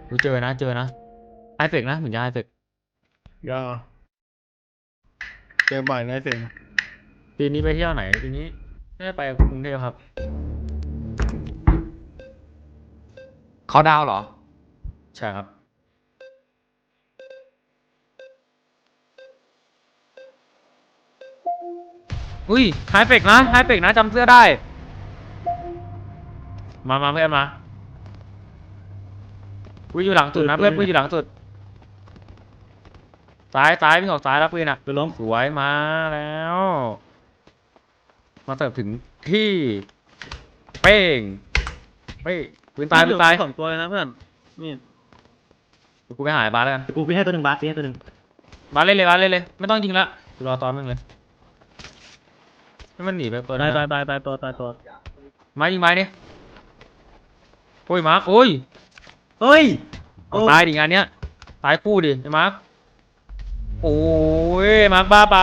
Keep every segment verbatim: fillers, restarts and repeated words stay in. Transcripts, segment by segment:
กูเจอนะเจอนะไอเฟกนะเหมือนจะไอเฟกยาเจอบ่อยนะเสียงปีนี้ไปเที่ยวไหนปีนี้ไม่ได้ไปกรุงเทพครับเขาดาวเหรอใช่ครับอุ้ยไฮเฟกนะไฮเฟกนะจำเสื้อได้มามาเพื่อนมาอุ้ยอยู่หลังสุดนะเพื่อนอุ้ยอยู่หลังสุดซ้ายซ้ายวิ่งออกซ้ายแล้วปืนอ่ะไปล้มสวยมาแล้ว มาเติบถึงที่เป้งเป้งปืนตายปืนตายสองตัวเลยนะเพื่อนนี่กูไปหายบาสแล้วกันกูพี่ให้ตัวหนึ่งบาสพี่ให้ตัวหนึ่งบาสเล่นเลยบาสเล่นเลยไม่ต้องยิงละกูรอตอนมึงเลยให้มันหนีไปตัวตายนะตายตายตายตัวตายตัวไม้ยิงไม้นี่โอ้ยมาร์คโอ้ยเฮ้ยเอาตายดิงานเนี้ยตายคู่ดิไอ้มาร์คโอ้ยมาร์คบ้าไป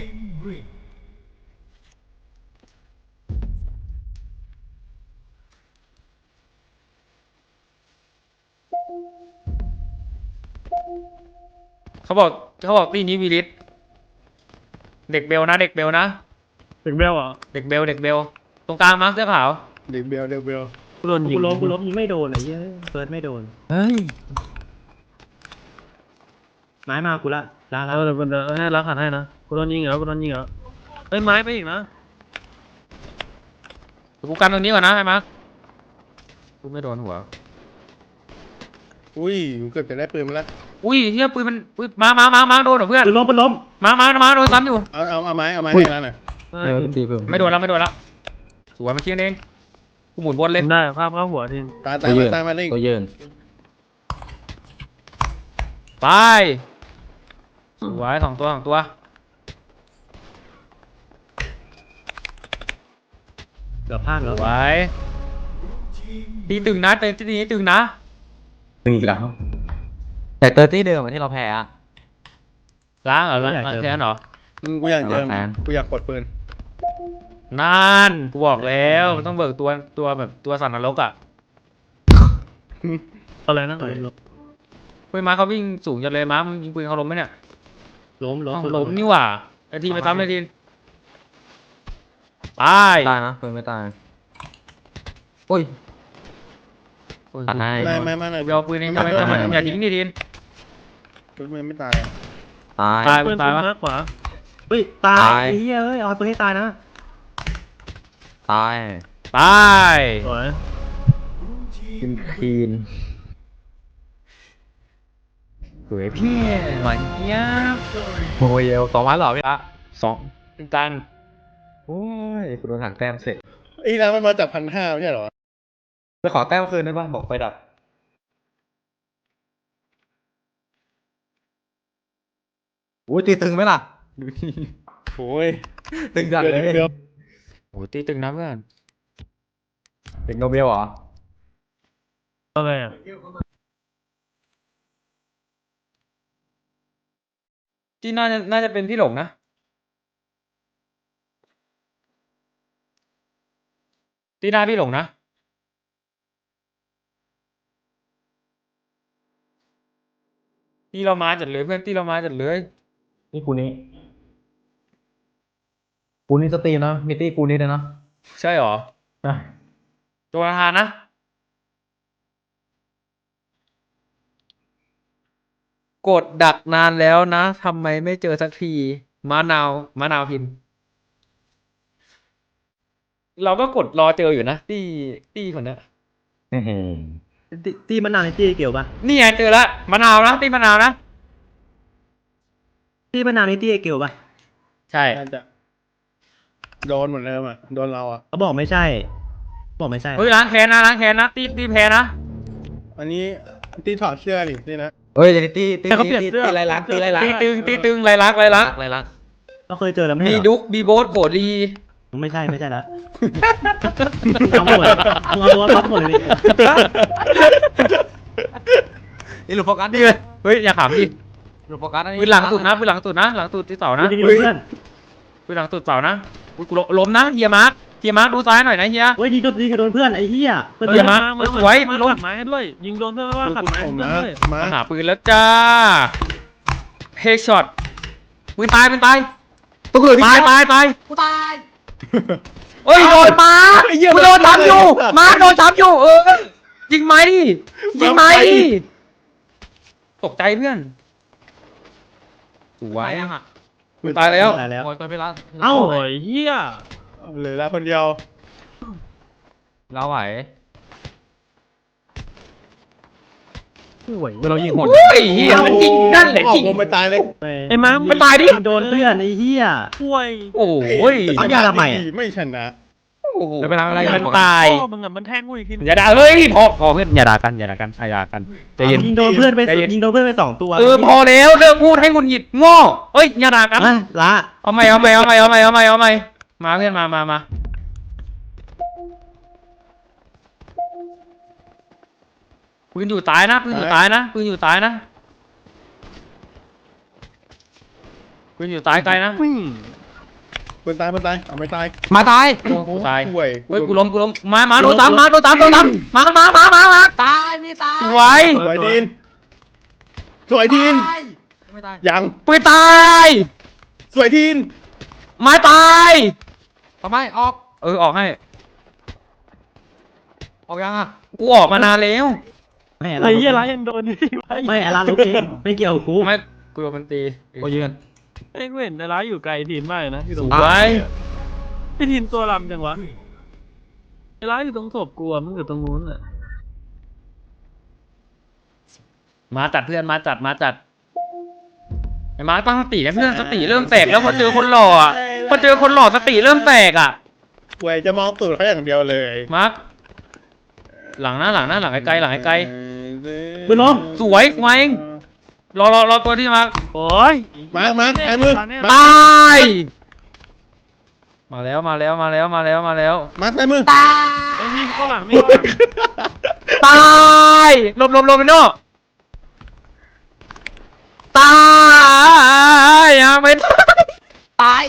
เขาบอกเขาบอกตีนี้วีลิสเด็กเบลนะเด็กเบลนะเด็กเบลอ่ะเด็กเบลเด็กเบลตรงกลางมาร์คเสื้อขาวเด็กเบลเด็กเบลกูโดนยิงกูล้มกูล้มยิงไม่โดนไอ้เหี้ยเฟิร์สไม่โดนเฮ้ยไม้มากูละลาเอละอเดี๋ยวเดี๋ยวให้รักหันให้นะกูโดนยิงเหรอกูโดนยิงเหรอเฮ้ยไม้ไปอีกนะกูกันตรงนี้ก่อนนะไอ้มาร์คกูไม่โดนหัวอุ้ยกูเกือบจะได้ปืนมาแล้วอุ้ยเฮียปืนมันปืนมามามามาโดนเหรอเพื่อนปืนล้มปืนล้มมามามาโดนซ้ำอยู่เอาเอาเอาไม้เอาไม้ให้แล้วหน่อยเออตีเพิ่มไม่โดนแล้วไม่โดนแล้วสวยมาเคียงเองกูหมุนวนเลยได้ภาพเข้าหัวทีตายตายมาตายมาเล่นตัวเยินไปสวยสองตัวสองตัวเกือบพลาดสแล้ววยตีตึงนะเต็มที่นี้ตึงนะตึงอีกแล้วแต่เตอร์ตี้เดิมที่เราแพ้อะล้างเหรอล้างแค่นั้นเหรออืมกูอยากเจอเอาละแฟนกูอยากกดปืนนั่นกูบอกแล้วมันต้องเบิกตัวตัวแบบตัวสันนรกอ่ะอะไรนะเฮ้ยล้มเฮ้ยมาเขาวิ่งสูงจังเลยมามึงยิงปืนเขาล้มไหมเนี่ยล้มล้มอ้าวปืนล้มนี่หว่าไอทีไปซ้ำเลยทีตายตายนะเพิ่มไม่ตายโอ้ยตัดให้ไม่ไม่ไม่ไม่เดี๋ยวเอาปืนเองทำไมทำไมอย่าทิ้งดิทีนปืนมันไม่ตายตายตายปืนตายปืนปะมากกว่าเฮ้ยตายตายไอ้เหี้ยเฮ้ยเอาปืนให้ตายนะตายตายสวยกินคีนสวยพี่หมันเนี้ยบโอ้ยเอวสองพันเหรอพี่ละสองตันโอ้ยคุณโดนถังแต้มเสร็จไอ้ร้านมันมาจากพันห้าไม่ใช่เหรอไปขอแต้มคืนได้ป่ะบอกไฟดับโอ้ยตีตึงไหมล่ะดูดิโอ้ยตึงจัดเลยเดี๋ยวโหตีตึงนะเพื่อนเด็กโนเบลเหรออะไรอ่ะที่น่าจะน่าจะเป็นพี่หลงนะที่หน้าพี่หลงนะที่เรามาจัดเลยเพื่อนที่เรามาจัดเลยนี่กูนี้กูนี้สตรีมนะมีตี้กูนี้เลยนะใช่หรอนะโจนาธานนะกดดักนานแล้วนะทำไมไม่เจอสักทีมะนาวมะนาวพิน เราก็กดรอเจออยู่นะตี้ตี้คนเนี้ยตีตีมะนาวในตีเกี่ยวปะนี่ไงเจอละมะนาวนะตี้มะนาวนะตีมะนาวในตีเกี่ยวปะใช่น่าจะโดนเหมือนเดิมอ่ะโดนเราอ่ะเขาบอกไม่ใช่ บอกไม่ใช่เฮ้ยล้างแค้นนะล้างแค้นนะตี้ตี้แพ้นะอันนี้ตีถอดเสื้อดินี่นะเฮ้ยเดี๋ยวนี้ตีตีแต่เขาตีเปลี่ยนตีเสื้อตีไรลักตีไรลักตีตึงตีตึงไรลักไรลักไรลักเราเคยเจอแล้วไม่มีใช่เหรอดุกมีโบสโผดีไม่ใช่ไม่ใช่ละเอาหมดเลยมึงเอาตัวท็อปหมดเลยดินี่หลุดโฟกัสดินี่เลยเฮ้ยอย่าขำดิหลุดโฟกัสนะปืนหลังสุดนะปืนหลังสุดนะหลังสุดที่เสานะดีๆเพื่อนปืนหลังสุดเสานะอุ้ยกูล้มนะเฮียมาร์คเฮียมาร์คดูซ้ายหน่อยนะเฮียเฮ้ยยิงโดนยิงโดนเพื่อนไอ้เหี้ยเพื่อนเออเพื่อนมามาสวยมาลงขัดไม้ให้ด้วยยิงโดนเพื่อนไม่ว่าขัดไม้ให้ผมเพื่อนนะด้วยมาหาปืนแล้วจ้าเฮดช็อตปืนตายปืนตายตัวเหลือที่ตายตายตายกูตายเฮ้ยโดนมาไอ้เหี้ยกูโดนทับอยู่มาโดนทับอยู่เออยิงไม้ดิยิงไม้ดิตกใจเพื่อนสวยปืนตายแล้วตายแล้วโอ้ยไปไปแล้วเอ้าโอ้ยเฮียเหลือแล้วคนเดียวเราไหวไม่ไหวเรายิงโหดโอ้ยเฮียมันยิงนั่นแหละออยิกงลงไปตายเลยไอ้มาไปตายดิยิงโดนเพื่อนไอ้เหี้ยป่วยโอ้ยเอายาทำไมอะไม่ชนะโอ้โหไม่เป็นไรไม่เป็นไรมันตายพ่อมึงอ่ะมันแทงกูอีกทีอย่าด่าเฮ้ยพอพอเพื่อนอย่าด่ากันอย่าด่ากันอย่าด่ากันใจเย็นยิงโดนเพื่อนไปใจเย็นยิงโดนเพื่อนไปสองตัวเออพอแล้วเลิกพูดให้หงุดหงิดโง่เฮ้ยอย่าด่ากันอ่ะละเอาใหม่เอาใหม่เอาใหม่เอาใหม่เอาใหม่เอาใหม่มาเพื่อนมามามาปืนอยู่ตายนะปืนอยู่ตายนะปืนอยู่ตายนะปืนอยู่ตายไกลนะคนตายคนตายเอาไม่ตายมาตายกูตายห่วยเฮ้ยกูล้มกูล้มมามาโดนตามมาโดนตามโดนตามมามามามามาตายไม่ตายสวยสวยทีนสวยทีนตายไม่ตายยังปืนตายสวยทีนไม้ตายทำไมออกเออออกให้ออกยังอ่ะกูออกมานานแล้วไม่ไอ้เฮียไรยังโดนนี่ไว้ไม่ไอ้ละลูกเองไม่เกี่ยวกับกูไม่กูโดนมันตีโอ้ยืนไอ้กูเห็นไอ้ร้ายอยู่ไกลทีนมากเลยนะที่ตสรงวยไอ้ทีนตัวลำจังวะไอ้ร้ายอยู่ตรงศพกูอะมันอยู่ตรงนู้นอ่ะมาจัดเพื่อนมาจัดมาจัดไอ้มาตั้งสตินะเพื่อนสติเริ่มแตกแล้วพอเจอคนหล่ออ่ะพอเจอคนหล่อสติเริ่มแตกอ่ะห่วยจะมองตูดเขาอย่างเดียวเลยมาร์คหลังหน้าหลังหน้าหลังไกลๆหลังไกลปืนล้มๆสวยไว้รอรอรอตัวที่มาร์คโอ้ยมามาแอนมือตายมาแล้วมาแล้วมาแล้วมาแล้วมาแล้วมาแอนมือไอ้นี่ข้างหลังนี่ข้างหลังตายหลบหลบหลบไปโน่ตายยังไม่ตายตาย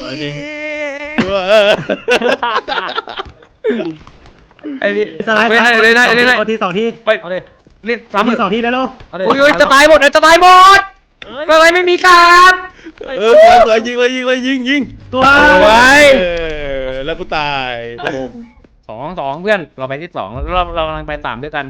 ไอ้นี่สไลด์ไม่ได้เลยนะไอ้นี่เอาทีสองทีไปเอาเลยเล่นสามซ้ำทีสองทีแล้วลูกเอาเลยโอ้ยโอ้ยจะตายหมดเลยจะตายหมดเอ้ยอะไรไม่มีการเออสวยยิงเลยยิงเลยยิงยิงตัวสวยเออแล้วกูตายสองสองเพื่อนเราไปที่สองเราเรากำลังไปสามด้วยกัน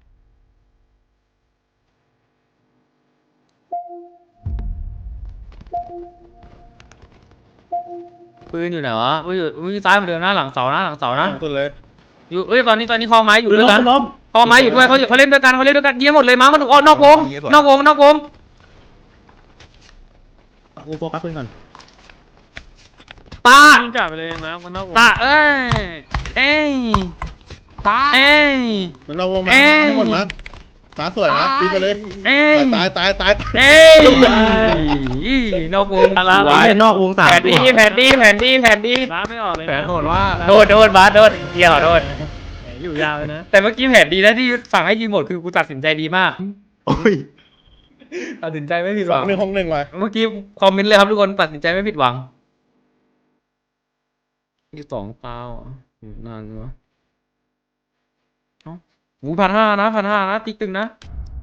ปืนอยู่ไหนวะปืนอยู่ปืนซ้ายเหมือนเดิมนะหลังเสานะหลังเสานะสุดเลยอยู่เอ้ยตอนนี้ตอนนี้คอไม้อยู่ปืนด้วล้ยมกันปืนล้มคอไม้อยู่ด้วยเขาอยู่เขาเล่นด้วยกันเขาเล่นด้วยกันเยี่ยมหมดเลยมั้งมันออกนอกวงนอกวงนอกวงกูโฟกัสปืนก่อนตายิงกลับไปเลยนะมันนอกวงตาเอ้ยเอ้ยตายเอ้ยมันเราวงมาเอ้ยทั้งหมดมาตาสวยนะปีไปเลยเอ้ยตายตายตายเอ้ยนอกวงอะไรไว้ไอ้นอกวงสามแผนดีแผนดีแผนดีแผนดีร้านไม่ออกเลยแผนโหดว่าโดนโดนบาสโดนเกี่ยวโดนอยู่ยาวเลยนะแต่เมื่อกี้แผนดีนะที่สั่งให้ยิงหมดคือกูตัดสินใจดีมากโอ้ยตัดสินใจไม่ผิดสหอวังงหนึ่งห้องหนึ่งว่ะเมื่อกี้คอมเมนต์เลยครับทุกคนตัดสินใจไม่ผิดหวังที่สองเปล่าอยู่นานวะเอ้าหูพันห้านะพันห้านะติ๊กตึงนะ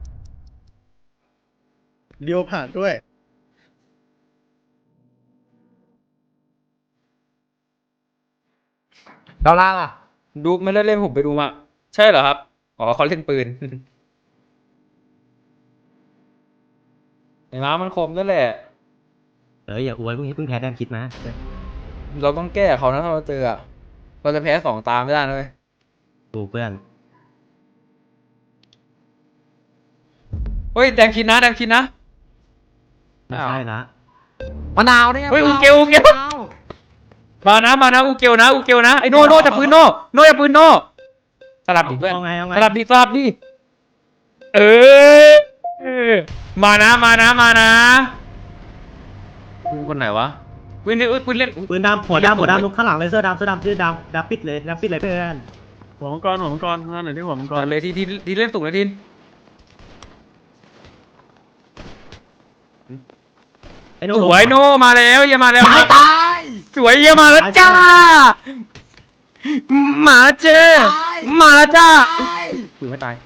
เดียวผ่านด้วยดอลลาร์ล่ะดูไม่ได้เล่นผมไปดูมาใช่เหรอครับอ๋อเขาเล่นปืน ไอ้ม้ามันคมนั่นแหละเอออย่าอวยพวกนี้เพิ่งแพ้แต้มคิดมาเราต้องแก้เขานะถ้าเราเจออะเราจะแพ้สองตามไม่ได้นะเลยดูเพื่อนเฮ้ยแดงคิดนะแดงคิดนะไม่ใช่ละมะนาวเนี่ยเฮ้ยอูมะนาวเกลอูเกลมะนาวมานะมานะอูเกลนะอูเกลนะไอ้โน่โน่จับปืนโน่โน่จับปืนโน่สลับดิเพื่อนเอาไงเอาไงสลับดิสลับดิเออเออมานะมานะมานะปืนคนไหนวะปืนนี่ปืนเล่นปืนดำหัวดำหัวดำลูกข้างหลังเลยเสื้อดำเสื้อดำเสื้อดำดำปิดเลยดำปิดเลยเพื่อนหัวมังกรหัวมังกรงานหน่อยที่หัวมังกก่อรนเลยที่ที่ที่เล่นสูงเลยทินไอ้หนูสวยโน่มาแล้วเยี่ยมาแล้วตายตายสวยเยี่ยมาแล้วจ้าหมาเจอหมาจ้าปืนไม่ตาย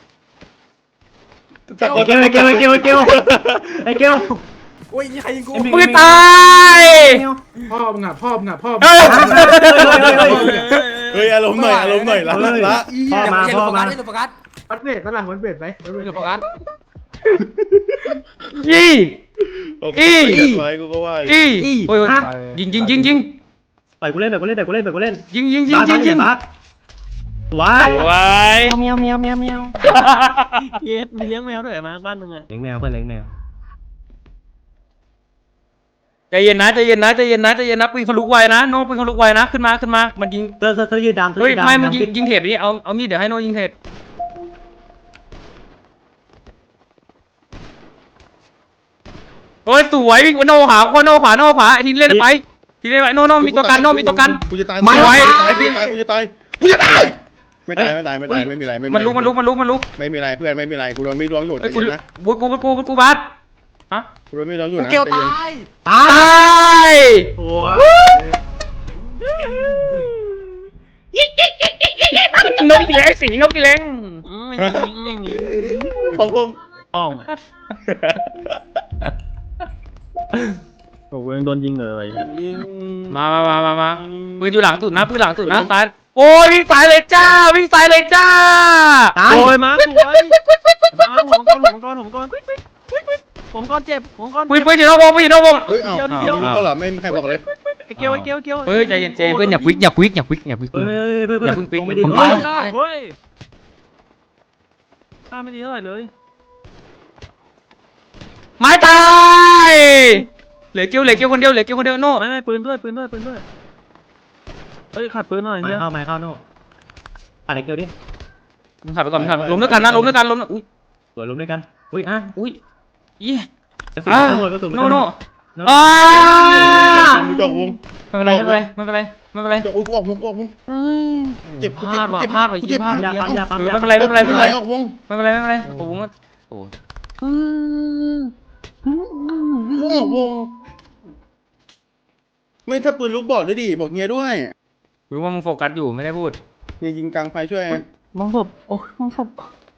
ตะโกไอ้นเกลไอ้เกลไอ้เกลไอ้เกลไอ้เกลโอ้ยใครยิงกูปืนตายพ่อมึงอ่ะพ่อมึงอ่ะพ่อเอ้ยเฮ้ยอารมณ์หน่อยอารมณ์หน่อยละละละพ่อมาพ่อมาโฟกัสวัดเบสฝรั่งวัดเบสไหมวัดเบสโฟกัสยี่โอเคอีไว้กูก็ว่าอีโอ้ยยิงยิงยิงยิงปล่อยกูเล่นปล่อยกูเล่นปล่อยกูเล่นปล่อยกูเล่นยิงยิงยิงบาสยิงยิงบาสว้ายไว้แมวแมวแมวแมวเยสมีเลี้ยงแมวด้วยมาบ้านมึงอะเลี้ยงแมวเพื่อนเลี้ยงแมวใจเย็นนะใจเย็นนะใจเย็นนะใจเย็นนะปืนเขาลุกไวนะโน้ปืนเขาลุกไวนะขึ้นมาขึ้นมามันยิงเธอเธอเธอยืนดามเธอเฮ้ยยืนดามไม่มันยิงดายิงเทปนี่เอาเอามีดเดี๋ยวให้โน้ยิงเทปโอ้ยสวยวิ่งโน่ขวาโน่ขวาโน่ขวาไอ้ทีเล่นไปทีเล่นไปโน่โน่มีตัวกันโน่มีตัวกันกูจะตายไม่ไหวกูจะตายกูจะตายกูจะตายไม่ตายไม่ตายไม่ตายไม่มีอะไรไม่มีมันลุกมันลุกมันลุกมันลุกไม่มีอะไรเพื่อนไม่มีอะไรกูโดนไม่ร้องอยู่ไอ้ใจกูเย็นนะกูกูกูกูบัสฮะกูโดนไม่ร้องอยู่นะเกลใจเย็นตายตาตาย ยโอ้ยนกอีเล็กสีนกอีเล็กอืมของผมอ่องโอ้ยยังโดนยิงเลยมามามามามาปืนอยู่หลังสุดนะปืนหลังสุดนะตายโอ้ยวิ่งสายเลยจ้าวิ่งสายเลยจ้าตายโอ้ยมาสวยมาผมก้อนผมก้อนผมก้อนผมก้อนเจ็บผมก้อนปืนปืนอยู่นอกวงปืนอยู่นอกวงเฮ้ยเอ้าเขาเหรอไม่มีใครบอกเลยไอ้เกียวไอ้เกียวไอ้เกียวเฮ้ยใจเย็นใจเย็นเพื่อนอย่าควิกอย่าควิกอย่าควิกอย่าควิกเฮ้ยเฮ้ยเฮ้ยอย่าเพิ่งปิ๊กไม่ดีผมเฮ้ยเฮ้ยข้าไม่ดีเท่าไหร่เลยไม้ตายเหลือเกี้ยวเหลือเกี้ยวคนเดียวเหลือเกี้ยวคนเดียวโน่ไม่ไม่ปืนด้วยปืนด้วยปืนด้วยเฮ้ยขาดปืนหน่อยไม่เนี่ยเข้าไม่เข้าโน่ปัดไอ้เกลดิมึงขับไปก่อนมึงขับล้มด้วยกันนะล้มด้วยกันล้มอุ้ยสวยล้มด้วยกันอุ้ยอ่ะอุ้ยยี่กระสุนอ่าตำรวจกระสุนโน่โน่โน่อ่ากูจอกวงไม่เป็นไรไม่เป็นไรไม่เป็นไรไม่เป็นไรจอกวงกูออกวงกูออกวงเจ็บพลาดว่ะพลาดว่ะยี่พลาดยาปั๊มยาปั๊มเออยาไม่เป็นไรไม่เป็นไรไม่เป็นไรออกวงไม่เป็นไรไม่เป็นไรโอ้โหโอ้ออกวงไม่ถ้าปืนลูกบอกด้วยดิบอกเงี้ยด้วยรู้ว่ามึงโฟกัสอยู่ไม่ได้พูดเงี้ยยิงกลางไฟช่วยมองศพโอ้ยมองศพ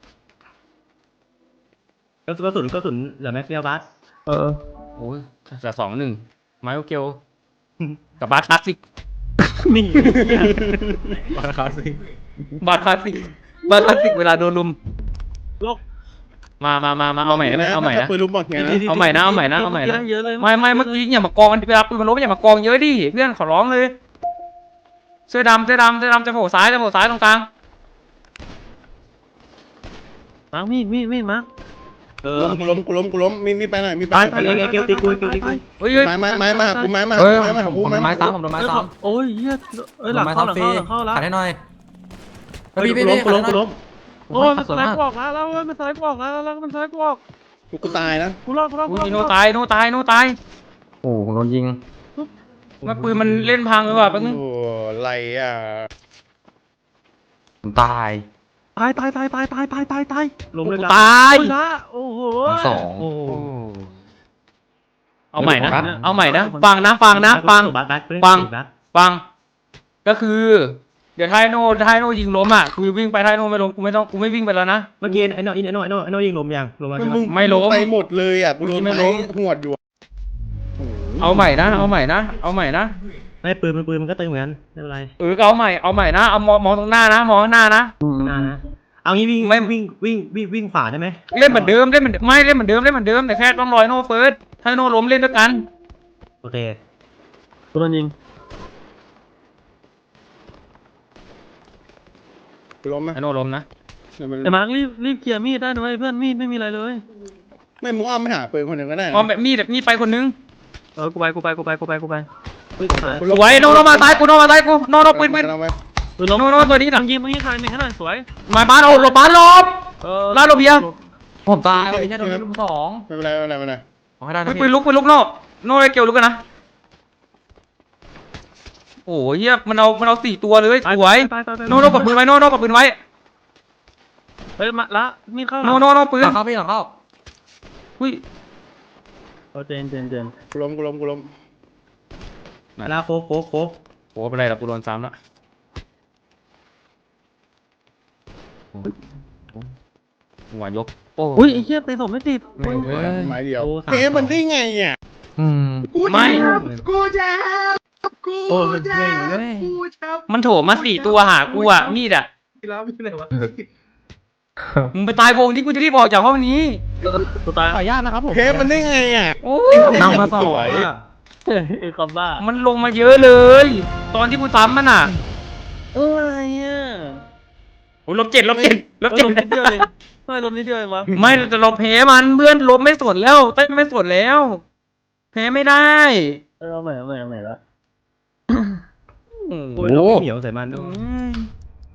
กระสุนกระสุนกระสุนเหลือแม็กเดียวบาสเออโอ้ยแต่สองหนึ่งไมโอเกลกับบาร์คลาสสิกนี่บาร์คลาสสิกบาร์คลาสสิกบาร์คลาสสิกเวลาโดนลุมโลกมามามามาเอาใหม่นะเอาใหม่นะปืนลูกบอกเงี้ยนะเอาใหม่นะเอาใหม่นะเอาใหม่นะเยอะเลยไม่ไม่เมื่อกี้อย่ามากองเวลาปืนมันล้มอย่ามากองเยอะดิเพื่อนขอร้องเลยเสื้อดำเสื้อดำเสื้อดำจะโผล่ซ้ายจะโผล่ซ้ายตรงกลางมาร์คมีดมีดมีดมาร์คเออกูล้มกูล้มกูล้มมีมีไปหน่อยมีไปตายตายไอ้เกลตีกูเกลตีกูเฮ้ยเฮ้ยไม้ไม้ไม้มากูไม้มาเฮ้ยไม้มาผกูมไม้ไม้มาซ้ำผมโดนไม้ซ้ำโอ้ยเฮียเอ้ยหลังเข้าหลังเข้าหลังเข้าแล้วขัดให้หน่อยเฮ้ยกูล้มกูล้มกูล้มโอ้ยมันสไลด์ออกแล้วแล้วมันสไลด์ออกแล้วแล้วมันสไลด์ออกกูตายนะกูรอดกูรอดกูอุ้รอดยโนตายโนตายโนตายโอ้ผมโดนยิงมันปืนมันเล่นพังเลยว่ะแป๊บนึงโอ้ไรอ่ะผมตายตายตายตายตายตายตายตายตายล้มเลยตายโอ้ยละโอ้โหทั้งสองโอ้โอ้เอาใหม่นะเอาใหม่นะฟังนะฟังนะฟังบาสบาสฟัง ฟัง ก็คือ เดี๋ยวท้ายโน่ท้ายโน่ยิงล้มอ่ะกูวิ่งไปท้ายโน่ไม่ล้มกูไม่ต้องกูไม่วิ่งไปแล้วนะเมื่อกี้ไอ้โน่ไอ้โน่ไอ้โน่ไอ้โน่ยิงล้มยังล้มแล้วใช่ไหมไม่ล้มไปหมดเลยอ่ะกูโดนไม่ไม้ล้มหวดอยู่เอาใหม่นะเอาใหม่นะเอาใหม่นะไม่ปืนมันปืนมันก็ตึงเหมือนกันไม่เป็นไรเออก็เอาใหม่เอาใหม่นะเอามองมองตรงหน้านะมองข้างหน้านะหน้านะเอางี้วิ่งไม่วิ่งวิ่งวิ่งวิ่งขวาได้ไหมเล่นเหมือนเดิมเล่นเหมือนไม่เล่นเหมือนเดิมเล่นเหมือนเดิมแต่แค่ต้องรอยโน่เฟิร์สถ้าโน่ล้มเล่นด้วยกันโอเคกูโดนยิงกูล้มไหมไอโน่ล้มนะไอ้มาร์ครีบรีบเคลียร์มีดได้นะเว้ยเพื่อนมีดไม่มีอะไรเลยไม่มึงอ้อมไม่หาปืนคนหนึ่งก็ได้นะมองแบบมีดแบบมีดไปคนนึงเออกูไปกูไปกูไปกูไปกูไปอุ้ยตายสวยโน่โน่มาตายกูโน่มาตายกูโน่โน่ปืนปืนเอาไว้ปืนล้มโน่โน่ตัวนี้หหลัลังงยิงมึงยิงใครหนึ่งให้หน่อยสวยมาบ้านเอาหลบบ้านหลบเออลาดระเบียงผมตายวันนี้โดนลุมสองไม่เป็นไรไม่เป็นไรไม่เป็นไรขอให้ได้นะปืนพี่ปืนลุกปืนลุกโน่โน่ไอเกียวลุกกันนะโอ้ยเฮียมันเอามันเอาสี่ตัวเลยสวยไปไปไปโน่โน่กับปืนไว้โน่โน่กับปืนไว้เฮ้ยมาละมีดเข้าโน่โน่โน่ปืหนลังเข้าพี่หลังเข้าอุ้ยโอ้เจนเจนเจนกูล้มกูล้มกูล้มแล้วโค้กโค้กโค้กโหเป็นไรล่ะกูโดนซ้ำละหัวยกโป้อุ้ยไอ้เหี้ยเตะศพไม่ติดแม่งเว้ยไม้เดียวโอ้เฮ้ยมันได้ไงอ่ะอืมไม่กูแจ๊บกูโอ้ยแจ๊เว้ยบเว้ยกูแจ๊บมันโถมมาสี่ตัวหากูอ่ะมีดอ่ะกีฬาไม่ใช่ไหนวะมึงไปตายวงที่กูจะรีบออกจากห้องนี้ตัวตายขออนุญาตนะครับผมเฮ้ยมันได้ไงอ่ะโอ้ยนั่งมาสอสงวยอะไอ้คำบ้ามันลงมาเยอะเลย ตอนที่กูซ้ำมันอ่ะเอออะไรอ่ะโอ้ยลบเจ็ดลบเจ็ดลบเออเจ็ดลมนิดเดียวเองทำไมลมนิดเดียวเองวะไม่แต่เราแพ้มันเพื่อนลบไม่สนแล้วเต้นไม่สนแล้ว แพ้ไม่ได้เออเอาใหม่เอาใหม่เอาใหม่ละโอ้โอ้โหเหนียวใส่มันอืด้วยม